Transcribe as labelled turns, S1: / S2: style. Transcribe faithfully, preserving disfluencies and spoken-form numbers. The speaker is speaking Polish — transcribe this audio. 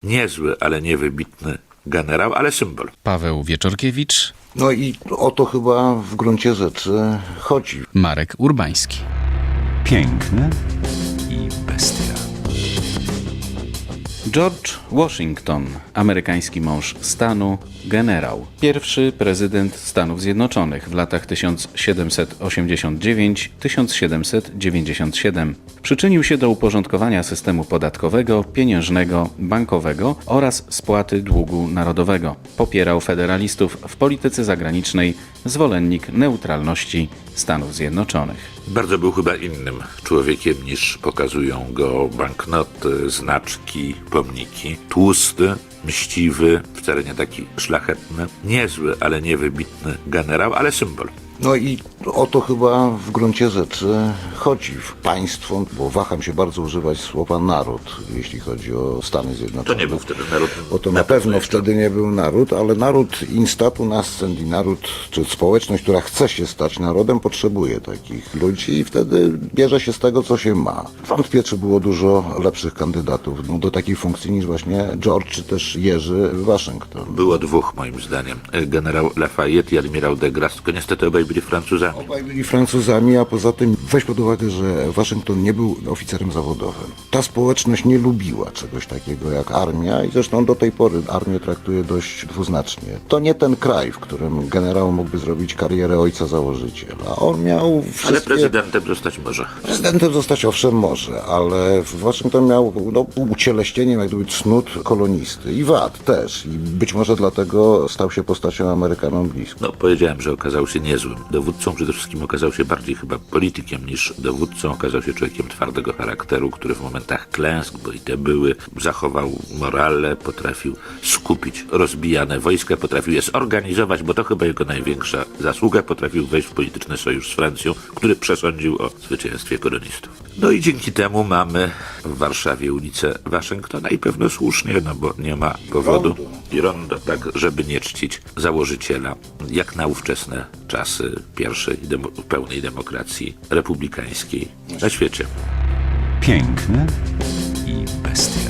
S1: Niezły, ale niewybitny generał, ale symbol.
S2: Paweł Wieczorkiewicz,
S3: No i o to chyba w gruncie rzeczy chodzi.
S2: Marek Urbański.
S4: Piękny i bestia.
S5: George Washington, amerykański mąż stanu, generał. Pierwszy prezydent Stanów Zjednoczonych w latach tysiąc siedemset osiemdziesiąt dziewięć do tysiąc siedemset dziewięćdziesiąt siedem. Przyczynił się do uporządkowania systemu podatkowego, pieniężnego, bankowego oraz spłaty długu narodowego. Popierał federalistów w polityce zagranicznej, zwolennik neutralności Stanów Zjednoczonych.
S1: Bardzo był chyba innym człowiekiem niż pokazują go banknoty, znaczki, pomniki. Tłusty, mściwy, wcale nie taki szlachetny. Niezły, ale niewybitny generał, ale symbol.
S3: No i o to chyba w gruncie rzeczy chodzi. Państwo, bo waham się bardzo używać słowa naród, jeśli chodzi o Stany Zjednoczone.
S1: To nie był wtedy naród.
S3: Bo to na pewno wtedy nie był naród, ale naród instatu nascent i naród, czy społeczność, która chce się stać narodem, potrzebuje takich ludzi i wtedy bierze się z tego, co się ma. Wątpię, czy było dużo lepszych kandydatów no, do takiej funkcji niż właśnie George, czy też Jerzy Waszyngton.
S1: Było dwóch, moim zdaniem. Generał Lafayette i admirał de Grasse, tylko niestety obaj byli Francuzami.
S3: Obaj byli Francuzami, a poza tym weź pod uwagę, że Waszyngton nie był oficerem zawodowym. Ta społeczność nie lubiła czegoś takiego jak armia i zresztą do tej pory armię traktuje dość dwuznacznie. To nie ten kraj, w którym generał mógłby zrobić karierę ojca założyciela. On miał wszystkie...
S1: Ale prezydentem zostać może.
S3: Prezydentem zostać owszem może, ale Waszyngton miał no, ucieleśnieniem jak gdyby cnót kolonisty i wad też. I być może dlatego stał się postacią Amerykanom bliską.
S1: No, powiedziałem, że okazał się niezłym dowódcą. Przede wszystkim okazał się bardziej chyba politykiem niż dowódcą. Okazał się człowiekiem twardego charakteru, który w momentach klęsk, bo i te były, zachował morale, potrafił skupić rozbijane wojska, potrafił je zorganizować, bo to chyba jego największa zasługa. Potrafił wejść w polityczny sojusz z Francją, który przesądził o zwycięstwie kolonistów. No i dzięki temu mamy w Warszawie ulicę Waszyngtona i pewno słusznie, no bo nie ma powodu i rondo, tak, żeby nie czcić założyciela, jak na ówczesne czasy pierwszej demo, pełnej demokracji republikańskiej na świecie.
S4: Piękny i bestia.